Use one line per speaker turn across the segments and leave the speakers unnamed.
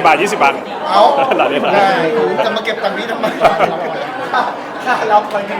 บาท20 บาท
เอา
หลังนี้หลัง
จะมาเก็บตังค์นี้ทำไมค่าเราไปกัน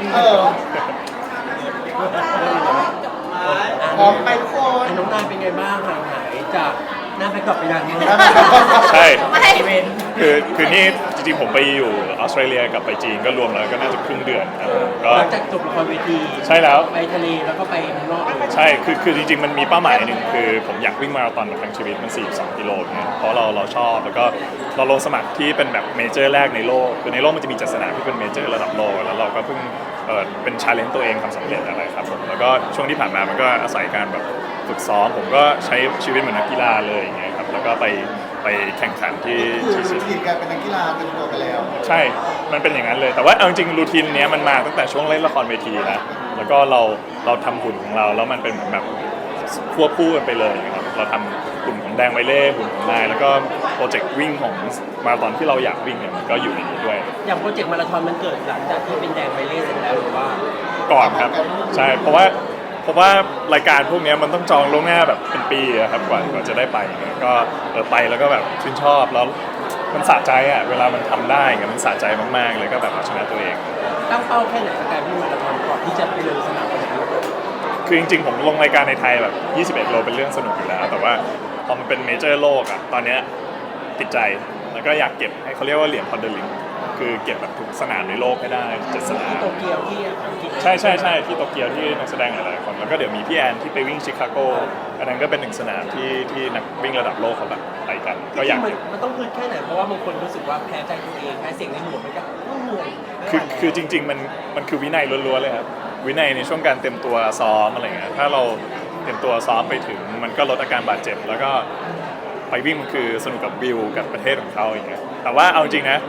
พร้อมไปทุกคน
น้องนายเป็นไงบ้างห่างหายจากหน้าแบ็คดรอปไปนานไหม
ใช่
ไม่
คือนี่จริงๆผมไปอยู่ออสเตรเลียกับไปจีนก็รวมแล้วก็น่าจะครึ่งเดือนครับก็
หลังจากจบละครเวที
ใช่แล้ว
ไปทะเลแล้วก็ไปเมืองนอกเลย
ใช่คือจริงๆมันมีเป้าหมายหนึ่งคือผมอยากวิ่งมาราธอนทั้งชีวิตมัน42 กิโลเนี่ยเพราะเราชอบแล้วก็เราลงสมัครที่เป็นแบบเมเจอร์แรกในโลกคือในโลกมันจะมีจัดสนามที่เป็นเมเจอร์ระดับโลกแล้วเราก็เพิ่งเป็นชาเลนจ์ตัวเองทำสำเร็จอะไรครับผมแล้วก็ช่วงที่ผ่านมามันก็อาศัยการแบบฝึกซ้อมผมก็ใช้ชีวิตเหมือนนักกีฬาเลยอย่างเงี้ยครับแล้วก็ไปแข่งขันที่
คือรูทีนการเป็นนักกีฬาเต็มตัวไปแล้ว
ใช่ มันเป็นอย่างนั้นเลยแต่ว่าเอาจริงรูทีนเนี้ยมันมาตั้งแต่ช่วงเล่นละครเวทีนะแล้วก็เราทำหุ่นของเราแล้วมันเป็นเหมือนแบบควบคู่กันไปเลยนะครับเราทำหุ่นของแดงไวเล่หุ่นของนายแล้วก็โปรเจกต์วิ่งของมาราธอนที่เราอยากวิ่งเนี่ยมันก็อยู่ในนี้ด้วย
อย่างโปรเจกต์มาราธอนมันเกิดหลังจากที่เป็นแดงไปเล่เสร็จแล้วหรือว่า
ก่อนครับใช่เพราะว่ารายการพวกนี้มันต้องจองล่วงหน้าแบบเป็นปีอะครับกว่าจะได้ไปเนี่ยก็ไปแล้วก็แบบชื่นชอบแล้วมันสะใจอ่ะเวลามันทำได้เงี้ยมันสะใจมากๆเลยก็แบบเอาชนะตัวเอง
ตั้งเป้าแค่ไหนกับการวิ่งมาราธอนก่อนที่จะไปลงสนามวันนั้น
คือจริงๆผมลงรายการในไทยแบบ21 โลเป็นเรื่องสนุกอยู่แล้วแต่ว่าพอมันเป็นเมเจอร์โลกอ่ะตอนเนี้ยติดใจแล้วก็อยากเก็บให้เขาเรียกว่าเหรียญพอนเดอร์ลิงคือเก็บแบบทุกสนามในโลกให้ได้7 สนาม
ที่โตเกียวที่อังกฤษ
ใช่ที่โตเกียวที่นักแสดงหลายๆคนแล้วก็เดี๋ยวมีพี่แอนที่ไปวิ่งชิคาโกอันนั้นก็เป็น1 สนามที่นักวิ่งระดับโลกเขาแบบไปกันก็อยาก
มันต้องพื้นแค่ไหนเพราะว่าบางคนรู้สึกว่าแพ้ใจตัวเองแพ้เสียงในหัวมันก็เหนื่อย
คือจริงๆมันคือวินัยล้วนๆเลยครับวินัยในช่วงการเตรียมตัวซ้อมอะไรเงี้ยถ้าเราเตรียมตัวซ้อมไปถึงมันก็ลดอาการบาดเจ็บแล้วก็ไปวิ่งมันคือสนุกกับวิวกับประเทศของเขาอย่างเงี้ยแต่ว่าเอาจริงนะ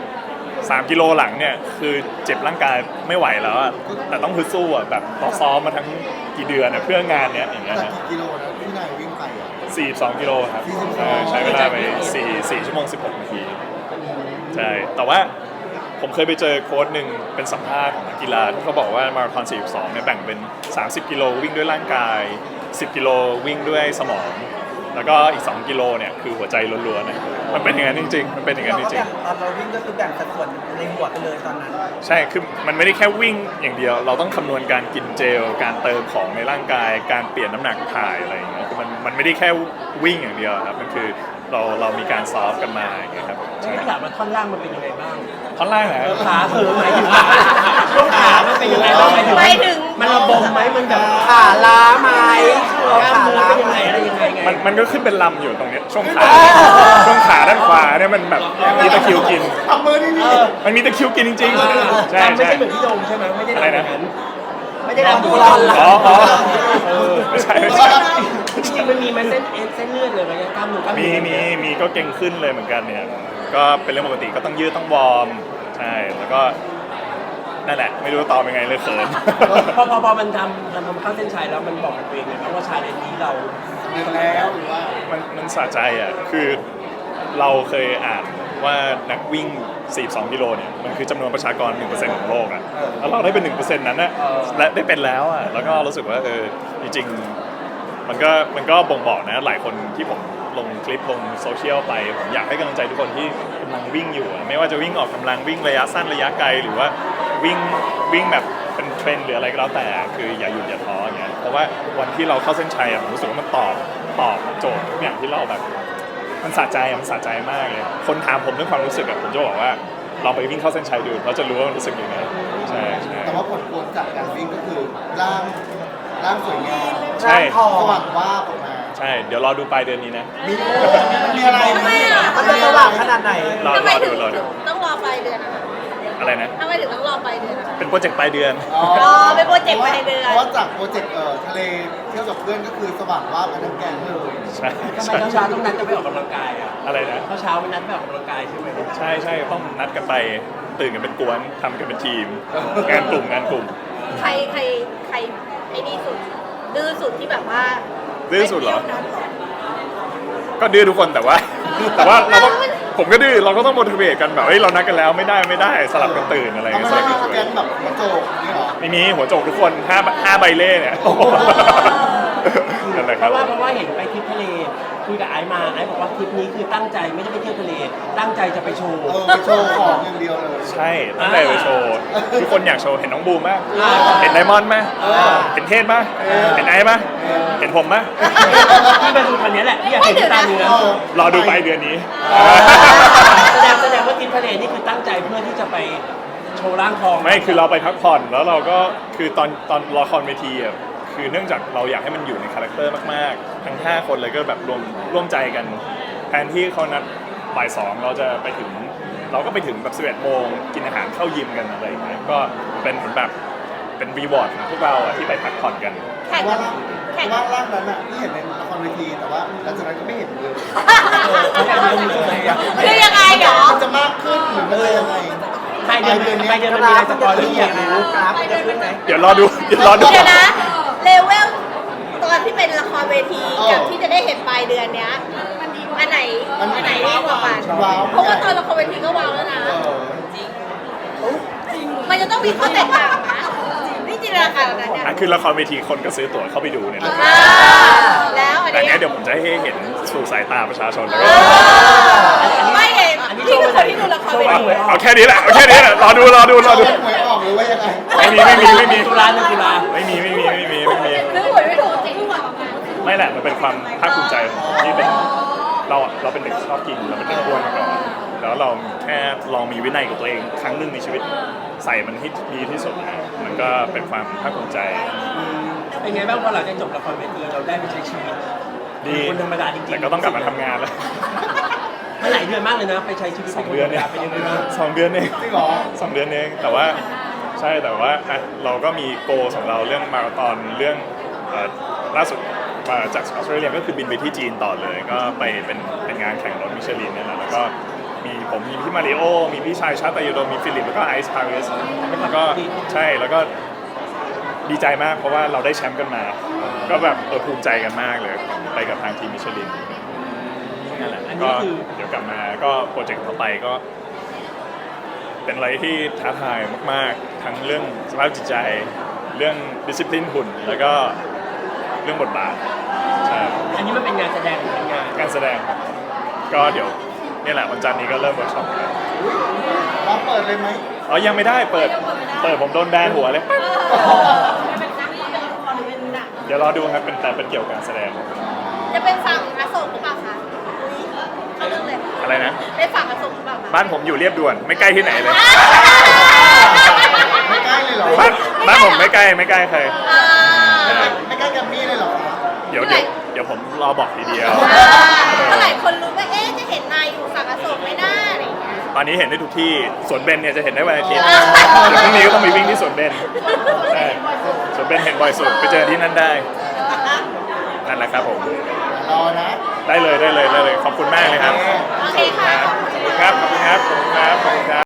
3 กิโลหลังเนี่ยคือเจ็บร่างกายไม่ไหวแล้วอะแต่ต้องฮึดสู้อะแบบเราซ้อมมาทั้งกี่เดือนอะเพื่องานเนี้ยอย่างเงี้ย
แต่
นะ
กี่กิโลนะที่นายวิ่งไปอ่ะ
42 กิโลครับ
42
ใช้เวลาไป4 ชั่วโมง 16 นาทีใช่แต่ว่าผมเคยไปเจอโค้ชหนึ่งเป็นสัมภาษณ์ของนักกีฬาที่เขาบอกว่ามาราธอน42เนี่ยแบ่งเป็น 30 กิโลวิ่งด้วยร่างกาย 10 กิโลวิ่งด้วยสมองแล้วก็อีก2 กิโลเนี่ยคือหัวใจล้วนๆนะมันเป็นอย่างนั้นจริงๆมันเป็นอย่างนั้นจริงๆ
ตอนเราวิ่งก็คือแบ่งสัดส่วนในหัวไปเลยตอนนั้น
ใช่ คือมันไม่ได้แค่วิ่งอย่างเดียว เราต้องคำนวณการกินเจล การเติมของในร่างกาย การเปลี่ยนน้ำหนักถ่ายอะไรอย่างเงี้ย คือมันไม่ได้แค่วิ่งอย่างเดียวครับ มันคือเรามีการซ้อมกันมาอย่างเงี้ยครับ
ฉันก็ถามว่าท่อนล่างมันเป็นยังไงบ้าง
ท่อนล่างนะ
ขาหมายถึงช่วงขามันเป็นยังไงบ้าง
หมายถึง
มันระบมไหมมันแบบ
ขาล้าไหม
กล้ามเนื้อเป็นยังไงอะไรยังไงไง
มันก็ขึ้นเป็นลำอยู่ตรงเนี้ยช่วงขาด้านขวาเนี่ยมันแบบมีตะคริวกิน
ทำมือนี่นี่
มันมีตะคริวกินจริงๆ ใช่
ไม่
ใช่
ใช่เหมือนพี่โดมใช่ไหมไม่ได้
อะไร
ทำอ
นะ
ย่างนั้น
ไม่ได้รับดู
อ๋อไม่ใช่
จริงๆมันมีไหมเส้นเลือดเลยไหมกล้ามเนื้อกล้ามเนื้อ
มีก็เก่งขึ้นเลยเหมือนกันเนี่ย ก็เป็นเรื่องปกติก็ต้องยืดต้องวอร์ม ใช่ แล้วก็นั่นแหละ ไม่รู้จะตอบยังไงเลยเขิน
พอมันทำเข้าเส้นชัยแล้วมันบอกกับตัวเองเลยนะว่าชาเลนจ์นี้เรา
เดินแล้วหรือว่า
มันสะใจอ่ะ คือเราเคยอ่านว่านักวิ่ง 42 กิโลเนี่ย มันคือจำนวนประชากร 1% ของโลกอ่ะ แล้วเราได้เป็น 1% นั้นน่ะและได้เป็นแล้วอ่ะ แล้วก็รู้สึกว่าจริงๆมันก็บ่งบอกนะ หลายคนที่ผมลงคลิปลงโซเชียลไป ผมอยากให้กำลังใจทุกคนที่กำลังวิ่งอยู่อะไม่ว่าจะวิ่งออกกำลังวิ่งระยะสั้นระยะไกลหรือว่าวิ่งแบบเป็นเทรนด์หรืออะไรก็แล้วแต่คืออย่าหยุดอย่าท้ออย่างเงี้ยเพราะว่าวันที่เราเข้าเส้นชัยอะผมรู้สึกว่ามันตอบโจทย์ทุกอย่างที่เราแบบมันสะใจมากเลยคนถามผมเรื่องความรู้สึกอะผมจะบอกว่าลองไปวิ่งเข้าเส้นชัยดูเราจะรู้ว่ามันรู้สึกยังไงใช่
แต่ว่าผลพวงจากการวิ่งก็คือร่างสวยงาม
ใช่
สว่างว่าบออกมา
ใช่เดี๋ยวรอดูปลายเดือนนี้นะ
มีอะไร
ทำไมอ่ะ
มันจะสว่างขนาดไหน
รอ
ทำไมถึง
ดู
ต้องรอปลายเดือนอะคะ
อะไรนะ
ทำไมถึงต้องรอปลายเดือนอะคะ
เป็นโปรเจกต์ปลายเดือน
อ๋อ
เป็นโปรเจกต์ปลายเดือน
เพราะว่าจากโปรเจกต์ทะเลเที่ยวกับเพื่อนก็คือสว่างว่าบกันทั้งแก๊งเลย
ใช่
ทำไม
ใช่
เช้าต้องนัดกันไปออกกำลังกายอ่ะ
อะไรนะ
เช้าไม่นัดไปออกกำลังกายใช่ไหม
ใช่ต้องนัดกันไปตื่นกันเป็นกวนทำกันเป็นทีม งานกลุ่ม
ใครไอ้นี่สุด ดื้อสุดที่แบบว่า
ดื้อสุดเหรอ
ไม่ที่ยวนั้นหรอ
ก็ดื้อทุกคนแต่ว่าเราก็ผมก็ดื้อเราก็ต้องโมทิเวตกันแบบเฮ้ยเรานัดกันแล้วไม่ได้สลับกันตื่นอะไร
ทำ
เงี้ย
ไม
สลับ
ไม่
กัน
มา
ตื่
แก๊
น
งแบบหัวโจกนี่หรอ
ไม่มีหัวโจกทุกคน5 ใบเล่เนี่ยนั่นแหละ
เพราะว่าเห็นไปทริปทะเลคุยกับไอซ์มาไอซ์บอกว่าทริปนี้คือตั้งใจไม่ได้ไปเที่ยวทะเลตั้งใจจะไปโชว์
ไปโชว์ของอย่างเดียวเลย
ใช่ตั้งแต่ไปโชว์ทุกคนอยากโชว์เห็นน้องบูมไหม
อ่า
เห็นไดมอนด์ไหมเห็นเทศไหมเห็นไอซ์ไหมเห็นผมไหม
ที่มาดูคนนี้แหละที่อยากเห็นตาเนื้อ
รอดูไปเดือนนี้
แสดงว่าทริปทะเลนี่คือตั้งใจเพื่อที่จะไปโชว์ร่างทอง
ไม่คือเราไปพักผ่อนแล้วเราก็คือตอนละครเวทีอ่ะคือเนื่องจากเราอยากให้มันอยู่ในคาแรคเตอร์มากๆทั้ง5คนเลยก็แบบร่วมใจกันแทนที่เขานัดบ่าย2เราจะไปถึงเราก็ไปถึงแบบ11โมงกินอาหารเข้ายิมกันอะไรอย่างเงี้ยก็เป็นเหมือนแบบเป็นรีวอร์ดของพวกเราอ่ะที่ไปพักผ่อนกัน
แข่ง
ว่า
แข่ง
ว่าร่างนั้นอ่ะที่เห็นในละครเวทีแต่ว่าหลังจากนั้นก็ไม่เห็นเลย
คือยังไงเหรอ
มันจะมากขึ้นหรือมันจะยังไง
ไปเดือนมันมีอะไรสปอยที่อยากรู้
กราฟจะขึ้นไหม
เดี๋ยวรอดู
เดี๋ยวนะเลเวลตอนที่เป็นละครเวทีกับที่จะได้เห็นปลายเดือนเนี้ยอันไหนดีกว่ากัน
ว้าว
เพราะว่าตอนละครเวทีก็ว้าวแล้วนะ มันจะต้องมีข้อแตกต่างนะนี่จินตนาการแบบนั้นเนี่ย
อ่ะคือละครเวทีคนก็ซื้อตั๋วเข้าไปดูเนี่ยแหละ
แล้วอัน
แต่
นี้
เนี้ยเดี๋ยวผมจะให้เห็นสู่สายตาประชาชนแล้วก็
ไม่เห็นนี่คือคนที่ดูละครเวที
เอาแค่นี้แหละเอาแค่นี้แหละรอดู
หวยออกหรือว่ายังไง
ไม่มี
ตุลาหนึ่งตุลา
ไม่มี
คือหวยไม่ถูกจริง
ไม่แหละมันเป็นความภาคภูมิใจที่เป็นเราเป็นเด็กชอบกินเราเป็นเด็กอ้วนมาก่อนแล้วเราแค่ลองมีวินัยกับตัวเองครั้งหนึ่งในชีวิตใส่มันให้ดีที่สุดนะมันก็เป็นความภาคภูมิใจ
เป็นไงบ้างพอหลังจากจบละครเวทีเราได้ไปใช้ชีวิต
ดี
คนธรรมดาจริงๆ
แต่ก็ต้องกลับมาทำงานแล้ว
มันหลายเดือนมากเลยนะไปใช้ชีวิต
2 เดือนเนี่ย
เป็นยังไงบ้าง
2 เดือนเอง
จริงเหรอ
2 เดือนเองแต่ว่าใช่แต่ว่าอ่ะเราก็มีโกของเราเรื่องมาราธอนเรื่องล่าสุดมาจากออสเตรเลียก็คือบินไปที่จีนต่อเลย ก็ไปเป็นงานแข่งรถมิชลินเนี่ยแหละแล้วก็มีผมมีพี่มาริโอมีพี่ชายชาตยโดมีฟิลิปแล้วก็ไอซ์พาริสแล้วก็ใช่แล้วก็ดีใจมากเพราะว่าเราได้แชมป์กันมา ก็แบบภูมิใจกันมากเลยไปกับทางทีมมิชลินนั่นแหละ
อัน
ก็
นี้คือ
เดี๋ยวกลับมาก็โปรเจกต์ต่อไปก็ เป็นอะไรที่ท้าทายมากๆ ทั้งเรื่องสภาพจิตใจ เรื่องดิสซิ p ลินหุ่น แล้วก็เรื่องบทบาทใช่
อันนี้มันเป็นงานแสดงหรือเป็นงาน
การแสดงครับก็เดี๋ยวนี่แหละวันจันทร์นี้ก็เริ่มเวิร์กช็อปแล้ว
รับเปิดเลยไหม
อ๋อยังไม่ได้เปิดผมโดนแบนหัวเลย เดี๋ยวรอดูครับแต่เป็นเกี่ยวกับการแสดง
จะเป็นฝั่งอโศกหรือเปล่าคะเขาเรื่องเลย
อะไรนะ
เป็นฝั่งอโศกหรือเปล่าคะ
บ้านผมอยู่เรียบด่วนไม่ใกล้ที่ไหนเลย
ไม่ใกล้เลยเหรอ
บ้านผมไม่ใกล้ใคร
ไม่ใกล้แกรมมี่เลยเหรอ
เดี๋ยวผมรอบอกทีเดียว
เมื่อไหร่คนรู้ว่าจะเห็นนายอยู่ฝั่งอโศกไหมน้าอะไรอย่างเงี้ย
ตอนนี้เห็นได้ทุกที่สวนเบนเนี่ยจะเห็นได้วันอาทิตย์เดี๋ยวพรุ่งนี้ก็ต้องไปวิ่งที่สวนเบนใช่สวนเบนเห็นบ่อยสุดไปเจอที่นั่นได้นั่นแหละครับผม
รอนะ
ได้เลยขอบคุณมากเลยครับ
โอเคค่ะ
ขอบคุณครับ